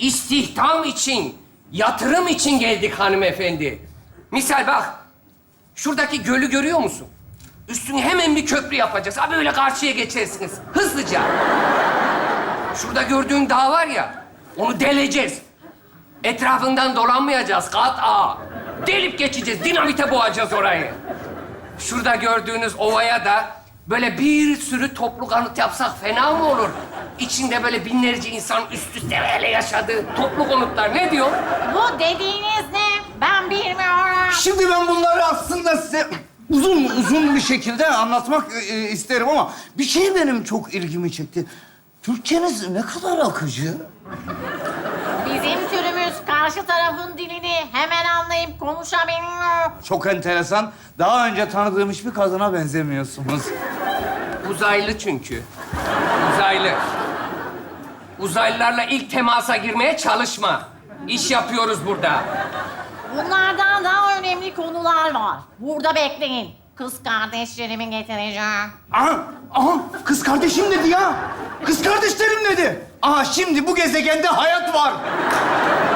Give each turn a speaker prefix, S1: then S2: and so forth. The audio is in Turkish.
S1: istihdam için, yatırım için geldik hanımefendi. Misal bak, şuradaki gölü görüyor musun? Üstüne hemen bir köprü yapacağız. Ha böyle karşıya geçersiniz, hızlıca. Şurada gördüğün dağ var ya, onu deleceğiz. Etrafından dolanmayacağız, kat'a. Delip geçeceğiz, dinamite boğacağız orayı. Şurada gördüğünüz ovaya da böyle bir sürü toplu konut yapsak fena mı olur? İçinde böyle binlerce insan üst üste böyle yaşadığı toplu konutlar. Ne diyor?
S2: Bu dediğiniz ne? Ben bilmiyorum.
S3: Şimdi ben bunları aslında size uzun bir şekilde anlatmak isterim ama bir şey benim çok ilgimi çekti. Türkçeniz ne kadar akıcı.
S2: Bizim türümüz karşı tarafın dilini hemen anlayıp konuşabiliyor.
S3: Çok enteresan. Daha önce tanıdığım hiçbir kadına benzemiyorsunuz.
S1: Uzaylı çünkü. Uzaylı. Uzaylılarla ilk temasa girmeye çalışma. İş yapıyoruz burada.
S2: Bunlardan daha önemli konular var. Burada bekleyin. Kız kardeşlerimi getireceğim.
S3: Aha, kız kardeşim dedi ya. Kız kardeşlerim dedi. Aha, şimdi bu gezegende hayat var.